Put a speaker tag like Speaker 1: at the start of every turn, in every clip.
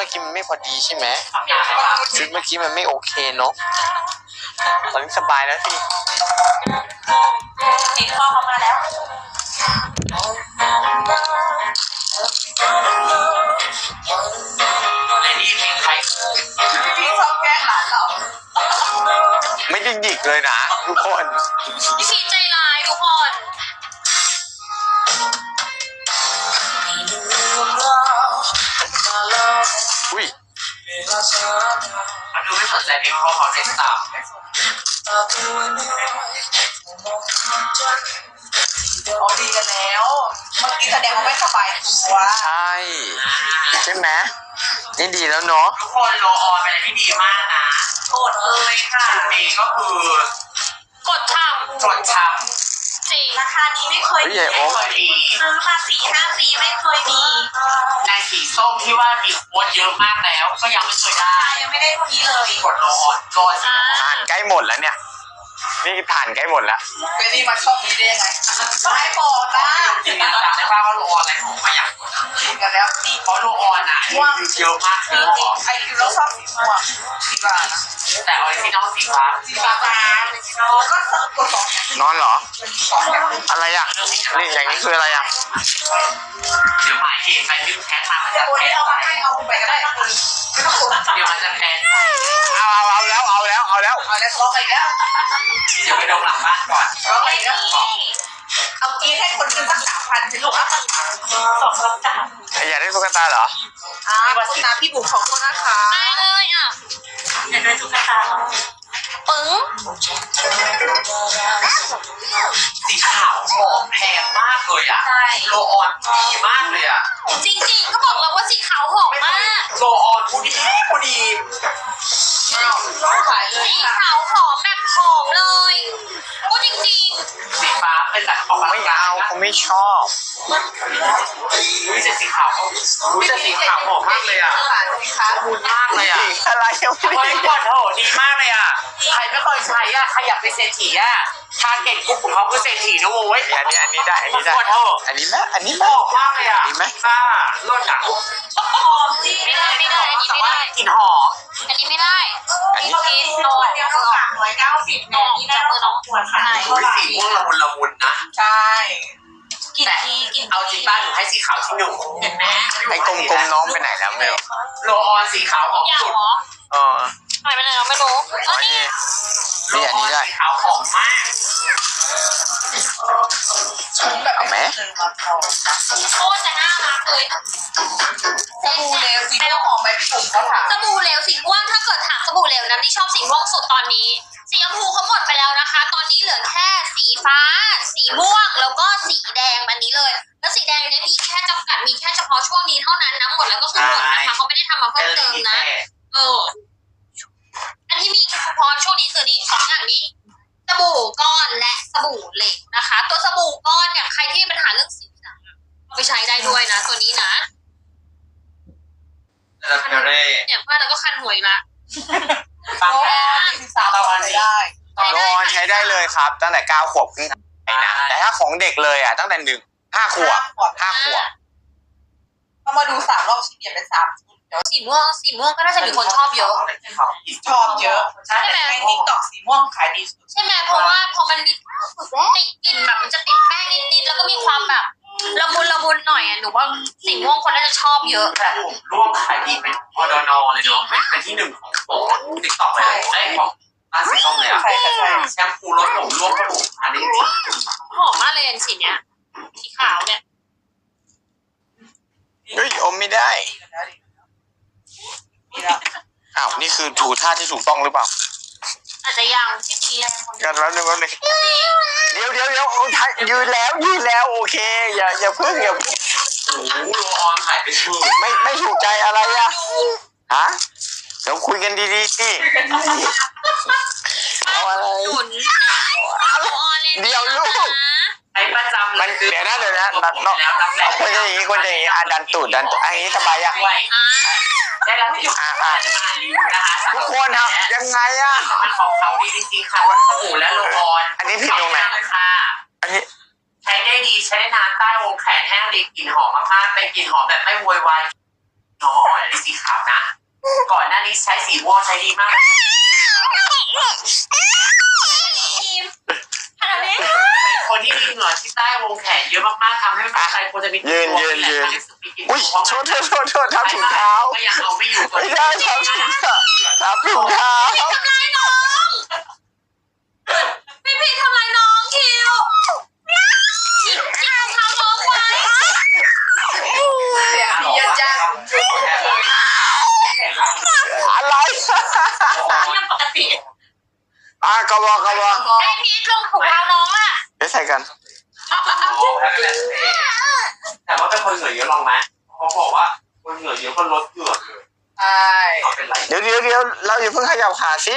Speaker 1: อกี้มันไม่พอดีใช่ไหมชุดเมื่อกี้มันไม่โอเคเนาะตอนนี้สบายแล้วสิ
Speaker 2: เองพ่อเขามาแล้ว
Speaker 3: ไอ้นี่เพลงใคร
Speaker 2: พี่ชอบแกล้งหลานเรา
Speaker 1: ไม่ได้หยิกเลยนะทุกคน
Speaker 4: พี่พีใจร้ายทุกคน
Speaker 1: อุ้ย
Speaker 3: มันดูไม่สนใจเพลงพ่อเขาเล่นตาม
Speaker 2: อ๋อดีกันแล้วเมื่อกี้แสดงว่าไม่สบายตัว
Speaker 1: ใช่ไหมนี่ดีแล้วเนาะ
Speaker 3: ทุกคนโลออนเป็นอะไรที่ดีมากนะ
Speaker 2: โกรธเลยค่ะ
Speaker 3: ชุดนี้ก็คือก
Speaker 4: ดทำ
Speaker 3: จดช้ำ
Speaker 4: จริง
Speaker 2: ราคานี้ไม่เคยมี
Speaker 3: ไม่เคยมี
Speaker 2: ซื้อมา4-5 ปีไม่เคยมี
Speaker 3: ในสีส้มที่ว่ามีโค้ดเยอะมากแล้วก็ยังไม่เคยได้
Speaker 2: ยังไม่ได้เท่านี้เลย
Speaker 3: กดโลออนรอสิ
Speaker 1: ผ่านใกล้หมดแล้วเนี่ยนี่ผ่านใกล้หมดแล้ว
Speaker 2: ไปนี่มาช่องนี้ได้ยังไงไม่บอกนะ
Speaker 3: จริงๆจำได้ป่าวว่าโลออนอะไรผมไม่อยากกด
Speaker 2: กินกันแล้วดี
Speaker 3: เพราะโลออนอ่ะเยอะมาก
Speaker 2: จริงไอคิวเราชอบสีม่วงสีฟ้า
Speaker 3: แต่ออริจินอลสีฟ้า
Speaker 2: ก็เสิร์ฟตัว2
Speaker 1: นอนเหรอ
Speaker 2: 2
Speaker 1: อะไรอ่ะนี่อย่างนี้คืออะไรอ่ะ
Speaker 3: เดี๋ยวหมายเหตุไปดึงแท็กมามันจะแพ้
Speaker 2: เอาไปให้เอาไปก็ได้ไม่ต้องกด
Speaker 3: เดี๋ยวมันจะแพ้
Speaker 1: เอาแล้ว
Speaker 2: ทะเลาะกันแล้ว
Speaker 3: เดี๋ยวไปดมหลังบ้านก่อน
Speaker 2: ทะเลาะกันแล้วเอากีให้คนขึ้นสัก3,000สิลูกอ่ะ
Speaker 1: อยากได้ตุ๊กตาเหรอ
Speaker 2: คุณน้าพี่บุ๋มขอบคุณนะคะ
Speaker 4: ได้เลยอ่ะ
Speaker 2: อยากได้ตุ๊กตา
Speaker 4: ปึ้ง
Speaker 3: สีขาวหอมแพงมากเลยอ่ะโลออนดีมากเลยอ่ะ
Speaker 4: จริงๆก็บอกแล้วว่าสีขาวหอมมาก
Speaker 3: โลออนผู้ดี
Speaker 2: ขายเลย
Speaker 4: สีขาวหอมแบบหอมเลยพูดจริง
Speaker 3: สีฟ้าเป็นแบบออก
Speaker 1: ไม่เอาเขาไม่ชอบ
Speaker 3: รู้สึกสีขาวรู้สึกสีขาวหอมมากเลยอ่ะมูลมากเลยอ่ะ
Speaker 1: อะไรยังไม่ได้
Speaker 3: ก่อนโถดีมากเลยอ่ะใครไม่เคยใช้อ่ะใครอยากเป็นเศรษฐีอ่ะทาร์เก็ตกลุ่มของเขาคือเศรษฐีนะโว้ย
Speaker 1: อันนี้ได้อันนี้ไหม
Speaker 3: หอมมากเลยอ่ะ
Speaker 1: ดีไหม
Speaker 3: รสหนัก
Speaker 2: หอมจริง
Speaker 4: ไม่ได้อันนี้ไม่ได้
Speaker 3: กลิ่นหอม
Speaker 4: อันนี้ไม่ได้
Speaker 1: อันนี้
Speaker 2: กินตัวเดียวก็390เนี่ยนี่ได้2 ขวดค่ะ
Speaker 3: สีม่วงละมุนนะ
Speaker 2: ใช่
Speaker 4: กินที่กิน
Speaker 3: เอาจริงบ้านหนูให้สีขาวที่1เห็นไหม
Speaker 1: ไอ้กลมๆน้องไปไหนแล้วไม่รู้
Speaker 3: โลออนสีขาวหอมสุด
Speaker 4: หายไปไหนเราไม่รู้
Speaker 1: นี่อันนี้ได้
Speaker 3: ขาวหอมมาก
Speaker 1: เอาไหม
Speaker 4: โคตรจะน่ารักเลย
Speaker 2: สบู่เหลวสีม่วงหอมไหมพี่ปุ๋มเขาถาม
Speaker 4: สบู่เหลวสีม่วงถ้าเกิดถามสบู่เหลวนะที่ชอบสีม่วงสุดตอนนี้สีชมพูเขาหมดไปแล้วนะคะตอนนี้เหลือแค่สีฟ้าสีม่วงแล้วก็สีแดงอันนี้เลยแล้วสีแดงนี้มีแค่จำกัดมีแค่เฉพาะช่วงนี้เท่านั้นนะหมดแล้วก็คือหมดนะคะเขาไม่ได้ทำมาเพิ่มเติมนะอันที่มีเฉพาะช่วงนี้คือนี่2 อย่างนี้สบู่ก้อนและสบู่เหลวนะคะตัวสบู่ก้อนเนี่ยใครที่มีปัญหาเรื่องสิวเอาไปใช้ได้ด้วยนะตัวนี้นะเนี่ยว่าแล้วก็คันหัวอีกละ
Speaker 3: ฟัง
Speaker 2: แล้ตอนนี้ได้
Speaker 1: โลออนใช้ได้เลยครับตั้งแต่9 ขวบขึ้นไปนะแต่ถ้าของเด็กเลยอ่ะตั้งแต่5 ขวบ
Speaker 2: เขามาดู3 รอบชิ้นเปลี่ยนเป็น3 ชุด
Speaker 4: เดี๋ยวสีม่วงก็น่าจะมีคนชอบเยอะ
Speaker 2: เยอะใช่ไหมในติ๊กต็อกสีม่วงขายดีสุด
Speaker 4: ใช่ไหมเพราะว่าพอมันมีติดกลิ่นแบบมันจะติดแป้งนิดๆแล้วก็มีความแบบละมุนหน่อยอ่ะหนูว่าสีม่วงคนน่าจะชอบเยอะ
Speaker 3: แต่ผมร่วมขายดีเป็นอดนเลยเนาะเป็นที่1ของโปรติ๊กต็อกเลยไอ้ของร้านสีส้มเลยอ่ะแชมพูรสผมร่วมกระดูกอันนี้
Speaker 4: หอมมากเลยอันสีเนี้ยสีขาวเนี่ย
Speaker 1: เฮ้ยอมไม่ได้อ้าวนี่คือถูท่าที่ถูกต้องหรือเปล่า
Speaker 4: อาจจะยังที่ดี
Speaker 1: กันแล้วนึงเดี๋ยวยืนแล้วโอเคอย่าพึ่ง
Speaker 3: โอ้โหโลออนขายเป็นชื่อ
Speaker 1: ไม่ถูกใจอะไรอะฮะเดี๋ยวคุยกันดีๆสิเอาอะไรเดี๋ยวลูก
Speaker 3: ไอ้ประจำ
Speaker 1: มันเดี๋ยวนะคนจะอย่างนี้ดันตูดอันนี้สบายอะ
Speaker 3: ได้แล้วที่จะมารีวิวนะคะ
Speaker 1: ทุกคนครับยังไงอะ
Speaker 3: มันของเขาดีจริงๆค่ะว่าสบู่และโลออน
Speaker 1: อันนี้ผิดตรงไหน
Speaker 3: ค่ะ
Speaker 1: อันนี้
Speaker 3: ใช้ได้ดีใช้ได้นานใต้วงแขนแห้งดีกลิ่นหอมมากๆเป็นกลิ่นหอมแบบไม่โวยวายน้องอ่อนนี่สีขาวนะก่อนหน้านี้ใช้สีม่วงใช้ดีมาก
Speaker 4: ขนาดนี้
Speaker 3: เป็นคนที่มีเหงื่อที่ใต้วงแขนเยอะมากๆทำให้ไม่ใครควรจะมี
Speaker 1: ยืน อุ้ยโทษทับถุงเท้า
Speaker 3: ก็ยังเอาไม่อยู่
Speaker 1: ไม่ได้ทับถุงเท้า
Speaker 4: ทำร้ายน้องพี่ทำร้ายน้องคิวจิกรองเท้าน้องไว้
Speaker 2: เสียงพี่เยอะจัง
Speaker 1: อะไร
Speaker 4: ยังปกติ
Speaker 1: กระบอก
Speaker 4: ไอพีทลงถุงเท้าน้องอ่ะ
Speaker 1: เดี๋ยวใส่กัน
Speaker 3: แต่ว่าเป็นคนเหงื่อเยอะลองไหมเขาบอกว่าคนเหงื่อเยอะก็ลดเหงื่อเลย
Speaker 2: ใช่
Speaker 3: เป็นไร
Speaker 1: เดี๋ยวเราอย่าเพิ่งขยับขาสิ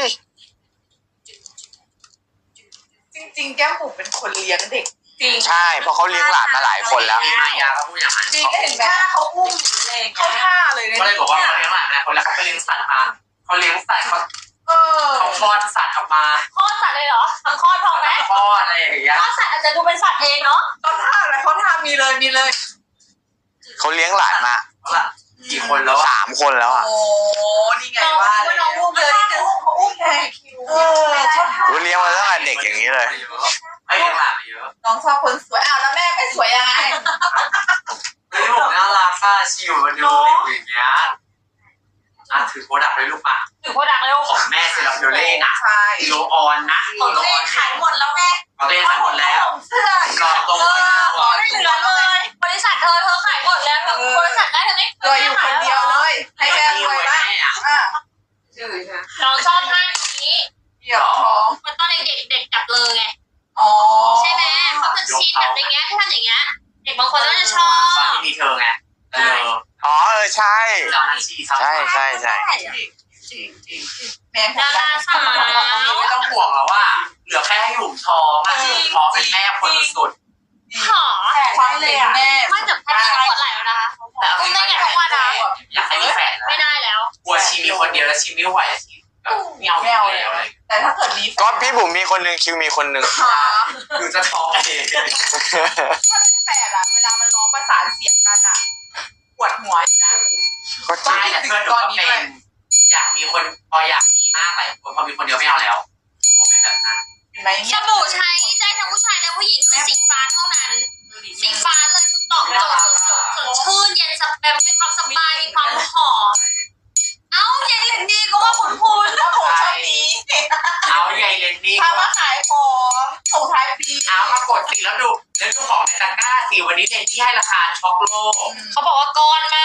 Speaker 2: จริงๆแก้มบุ๋มเป็นคนเลี้ยงเด็กจริง
Speaker 1: ใช่เพราะเขาเลี้ยงหลานมาหลายคนแล้ว
Speaker 3: มีมายาเขาพูดอย่างนั้น
Speaker 2: จริงเห็นไหมเขาอุ้มหรืออะไรอย่างเงี้ยเขาท่าเลย
Speaker 3: ก็เลยบอกว่าเขาเลี้ยงหลานนะคนแล้วเขาไปเลี้ยงสัตว์มาเขาเลี้ยงสัตว์เขาคลอดสัตว์ออกมา
Speaker 4: คลอดสัตว์เลยเหรอทำคลอดพอไหม
Speaker 3: คลอดอะไรอย่างเงี้ย
Speaker 4: คลอดสัตว์อาจจะดูเป็นสัตว์เองเนาะ
Speaker 2: เขาท่าอะไรเขาท่ามีเลย
Speaker 1: เขาเลี้ยงหลานมา
Speaker 3: กี่คนแล้ว
Speaker 1: 3 คนแล้วอ่ะ
Speaker 2: โอ้นี่ไงว่าน้องอุ้มเลยเขาอุ้มไงเขาท่า
Speaker 1: เลี้ยงมาตั้งแต่เด็กอย่างนี้เลย
Speaker 3: ไม่เลี้ยงหลานเยอะ
Speaker 2: น้องชอบคนสวยอ้าวแล้วแม่ไม่สวยยังไง
Speaker 3: เฮ้ยผมน่ารักค่ะชิวมาดูอยู่อย่างเงี้ยถือโปรดักต์เลยลูกป่ะ
Speaker 4: ถือโปรดักต์เร็ว
Speaker 3: ของแม่เซราฟิโอเล่นะ
Speaker 2: ใช่
Speaker 3: โลออนนะ
Speaker 2: ของเล่ขายหมดแล้วแม่
Speaker 3: ของเล่ขายหมดแล้ว
Speaker 2: เสื้อ
Speaker 3: รอตรง
Speaker 4: ไม่เหลือเลย บริษัทเธอขายหมดแล้วแบบบริษัทได้เธอไม่
Speaker 2: รวยอยู่คนเดียวเลย ให้แม่รวยบ้างอ่ะ
Speaker 4: น้องชอบท่านี้
Speaker 2: เหยียบท้อง
Speaker 4: มันตอนเด็กเด็กจับเลยไง
Speaker 2: อ๋อ
Speaker 4: ใช่ไหมเขาจะชินแบบอย่างเงี้ยถ้าทำอย่างเงี้ย เด็กบางคนก็จะชอบ
Speaker 3: ตอนนี้มีเธอไง
Speaker 1: ใช่
Speaker 3: เจ้าหน้าที่
Speaker 1: ใช่
Speaker 3: จริง
Speaker 2: แม่
Speaker 4: ดาราสาว
Speaker 3: ไม่ต้องห่วงแล้วว่าเหลือแค่ให้หยุ่มท้องอ่ะท้องเป็นแม่คนสุด
Speaker 4: หอ
Speaker 2: คว้าเลยแม่
Speaker 4: ไม่จับแค่นี้ก็ปวดไหล่แล้วนะคะ
Speaker 3: แต่
Speaker 4: อุ้มได้ไงทุกวันอ่ะ
Speaker 3: อยากให้มีแฟน
Speaker 4: ไม่ได้แล้ว
Speaker 3: กลัวชีมีคนเดียวแล้วชีไม่ไหวชีแบบเงาแล้ว
Speaker 2: แต่ถ้าเกิดมี
Speaker 1: ก็พี่บุ๋มมีคนหนึ่งคิวมีคนหนึ่ง
Speaker 3: คือจะท้องเอง
Speaker 2: แฝดอะเวลามันร้องประสานเสียงกันอะปวดหัวอยู่นะ
Speaker 1: ก็จริง
Speaker 3: ไม่แต่เพื่อนหนูก็เป็นอยากมีคนพออยากมีมากหลายคนพอมีคนเดียวไม่เอาแล้วกลัวเป็นแบบนั้น
Speaker 2: เห็นไหม
Speaker 4: สบู่ใช้ได้ทั้งผู้ชายและผู้หญิงคือสีฟ้าเท่านั้น สีฟ้าเลยคือตอบโจทย์สุดๆสดชื่นเย็นสบายมีความสบายมีความหอมเอ้าเย็นเหลือดีก็ว่าคุณ
Speaker 2: แล้วผมชอบนี้
Speaker 3: เอาใหญ่เลนนี่
Speaker 2: ถ้ามาขายของส่งท้ายปี
Speaker 3: เอามากดสิแล้วดูของในตะกร้าสิวันนี้เลนที่ให้ราคาช็อกโลก
Speaker 4: เขาบอกว่าก้อนมาก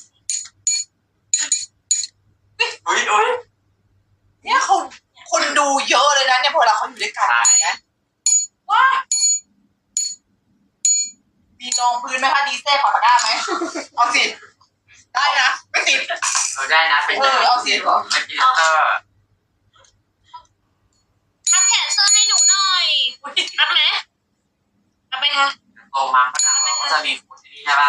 Speaker 3: อุ้ย
Speaker 2: เนี่ยคนดูเยอะเลยนะเนี่ยพอเราเขาอยู่ด้วยกันนะว้ามีรองพื้นไหมคะดีเซ่ขอตะกร้าไหมเอาสิได้นะไม่ติด
Speaker 3: ได้นะเป็น
Speaker 2: เอาสิ
Speaker 3: เป็นพรีเซนเตอร์
Speaker 4: ทับแขนเสื้อให้หนูหน่อยรับไหมรับไหมคะ
Speaker 3: โตมาก็ดังก็จะมีฟูดที่นี่ใช่ป่ะ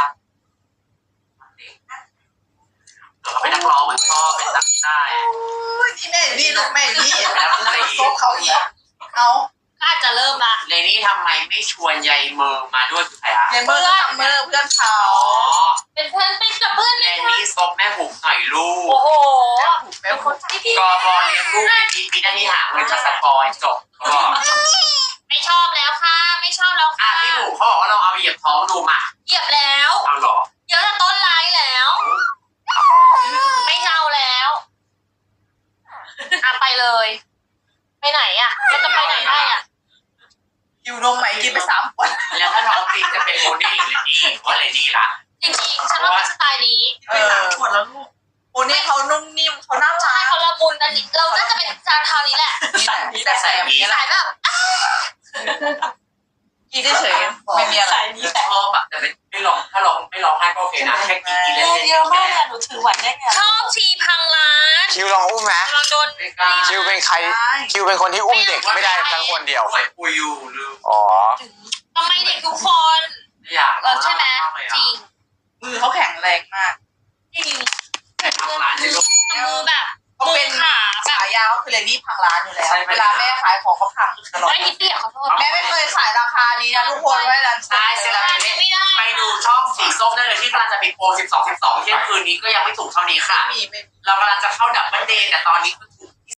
Speaker 3: เดี๋ยวเขาเป็นนักร้องเหมือนพ่อเป็นนักกีฬา
Speaker 2: ที่แม่นี่ลูกแม่นี่
Speaker 3: แล้วก็เลย
Speaker 2: ซบเขาอีกเอา
Speaker 4: ก็อาจจะเริ่มละ
Speaker 3: เลนี่ทำไมไม่ชวนยายเมอร์มาด้วยคือใครอะ
Speaker 2: เนเมอร์เพื่อนเขา
Speaker 4: เป็นเพื่อนเป็นกับเพื่อน
Speaker 3: เล
Speaker 4: เลย
Speaker 3: นี่ซบแม่บุ๋มหน่อยลู
Speaker 4: โอ้
Speaker 3: ก
Speaker 4: โห
Speaker 2: เป็นคนที่
Speaker 3: กอบอเลี้ยงลูกมีหน้าที่หาเงินจากสปอยจบก็
Speaker 4: ไม่ชอบแล้วค่ะ ไม่ชอบแล้ว
Speaker 3: อ่ะ
Speaker 4: ค่ะ
Speaker 3: พี่บุ๋มเขาบอกว่าเราเอาเหยียบท้องดูมา
Speaker 4: เหยียบแล้ว
Speaker 3: เอาหรอ
Speaker 4: เยอะแต่ต้นไลน์แล้ว ไม่เอาแล้วไปเลย ไปไหนอ่ะเราจะไปไหนได้อ่ะ
Speaker 2: อยู่นมใหม่กินไป3 ขวด
Speaker 3: แล้วถ้าน้องตีจะเป็นโมนี่หรือนี่ก็เลยนี่ละ
Speaker 4: จริงๆฉันว่าเป็นสไตล์นี้
Speaker 2: ไป3 ขวดแล้วลูกโอ้นี่เขานุ่มนิ่มเขาน่ารั
Speaker 4: ใช่
Speaker 2: ก
Speaker 4: เขาละมุนอันนี้เราน่าจะเป็นจานเทานี้แหละ
Speaker 2: นี่แต่ใส่แบบนี้
Speaker 4: สายแบบ
Speaker 2: กินเฉยไม่มีอะไร
Speaker 3: ชอบอะแต่ไม่ร้องถ้าร้องไม่ร้องให้ก็โอเคนะแค่กินกินเล่น
Speaker 2: เยอะมากหนูถือไหวได้ไง
Speaker 4: ชอบทีพังร้าน
Speaker 1: คิวลองอุ้มไหม
Speaker 4: เราโดน
Speaker 1: คิวเป็นใครคิวเป็นคนที่อุ้มเด็กไม่ได้ทั้งคนเดียว
Speaker 3: ป่วยปุยอยู่ลืม
Speaker 1: อ๋อ
Speaker 4: ทำไมเด็กทุกคน
Speaker 3: อยาก
Speaker 4: ใช่ไหมจริง
Speaker 2: มือเขาแข็งแรงมาก
Speaker 4: จริง
Speaker 3: แต่ทำร้านที่ลูก
Speaker 4: มือแบบ
Speaker 2: เขา
Speaker 4: มื
Speaker 2: เป็
Speaker 4: อน ขาแบบ
Speaker 2: ฉายาเขาคือเลดี้พังร้านอยู่แล้วเวลาแม่ขายของเขาพังตลอด
Speaker 4: ไม่นิดเดียวขอโทษ
Speaker 2: แม่ไม่เคยขายราคานี้นะทุกคนไว้ร้าน
Speaker 3: ใช่เซรา
Speaker 4: ไม่
Speaker 3: มิ
Speaker 4: ได้
Speaker 3: ไปดูช่องสีส้มได้เลยที่กำลังจะมีโปร12 12เที่ยงคืนนี้ก็ยังไม่ถูกเท่านี้ค่ะ
Speaker 2: ไม่
Speaker 3: เรากำลังจะเข้าดับเบิลเดย์แต่ตอนนี้คือ